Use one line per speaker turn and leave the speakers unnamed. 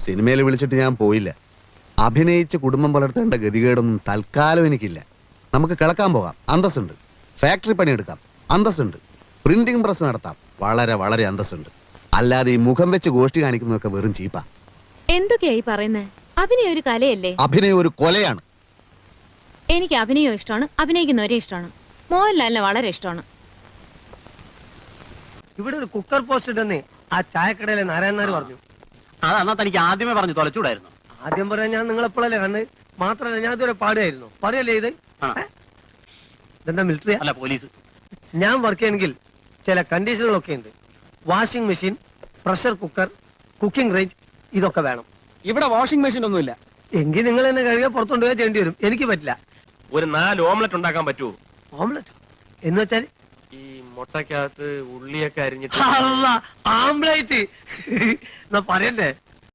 സിനിമയിൽ വിളിച്ചിട്ട് ഞാൻ പോയില്ല. അഭിനയിച്ച് കുടുംബം പുലർത്തേണ്ട ഗതികേടൊന്നും തൽക്കാലം എനിക്കില്ല. നമുക്ക് കിളക്കാൻ പോകാം, അന്തസ്സുണ്ട്. ഫാക്ടറി പണിയെടുക്കാം, അന്തസ്സുണ്ട്. പ്രിന്റിംഗ് പ്രസ് നടത്താം, വളരെ വളരെ അന്തസ്സുണ്ട്. അല്ലാതെ ഈ മുഖം വെച്ച് ഗോഷ്ടി കാണിക്കുന്നതൊക്കെ വെറും ചീപ്പാ.
എന്തൊക്കെയായി പറയുന്നത്? അഭിനയം ഒരു കലയല്ലേ?
അഭിനയം ഒരു കൊലയാണ്.
എനിക്ക് അഭിനയം ഇഷ്ടമാണ്, അഭിനയിക്കുന്നവരെ ഇഷ്ടമാണ്. മോഹൻലാലിനെ വളരെ ഇഷ്ടമാണ്.
ഇവിടെ ഒരു കുക്കർ പോസ്റ്റ് ഉണ്ടെന്ന് ആ ചായക്കടയിലെ നാരായണനാർ പറഞ്ഞു.
അതെന്നാ തനിക്ക് ആദ്യമേ പറഞ്ഞു തൊലച്ചൂടായിരുന്നു.
ആദ്യം പറയാൻ ഞാൻ നിങ്ങളെപ്പോഴല്ലേ കണ്ട്. മാത്രമല്ല ഞാൻ ഇതുവരെ പാടുകയായിരുന്നു. പറയല്ലേ ഇത് ഇതെന്താ മിലിറ്ററി
അല്ല പോലീസ്.
ഞാൻ വർക്ക് ചെയ്യണമെങ്കിൽ ചില കണ്ടീഷനുകളൊക്കെ ഉണ്ട്. Washing machine, pressure cooker, cooking range, ഇതൊക്കെ വേണം.
ഇവിടെ വാഷിംഗ് മെഷീൻ ഒന്നുമില്ല.
എങ്കിൽ നിങ്ങൾ എന്നെ കഴുകിയ പുറത്തുകൊണ്ടുപോയാൽ ചെയ്യേണ്ടി വരും. എനിക്ക് പറ്റില്ല.
ഒരു 4 ഓംലെറ്റ് ഉണ്ടാക്കാൻ പറ്റുമോ?
ഓംലെറ്റ് എന്ന് വെച്ചാൽ
ഈ മുട്ടക്കകത്ത് ഉള്ളിയൊക്കെ അരിഞ്ഞിട്ട്
ആംബ്ലേറ്റ് എന്നാ പറയണ്ടേ?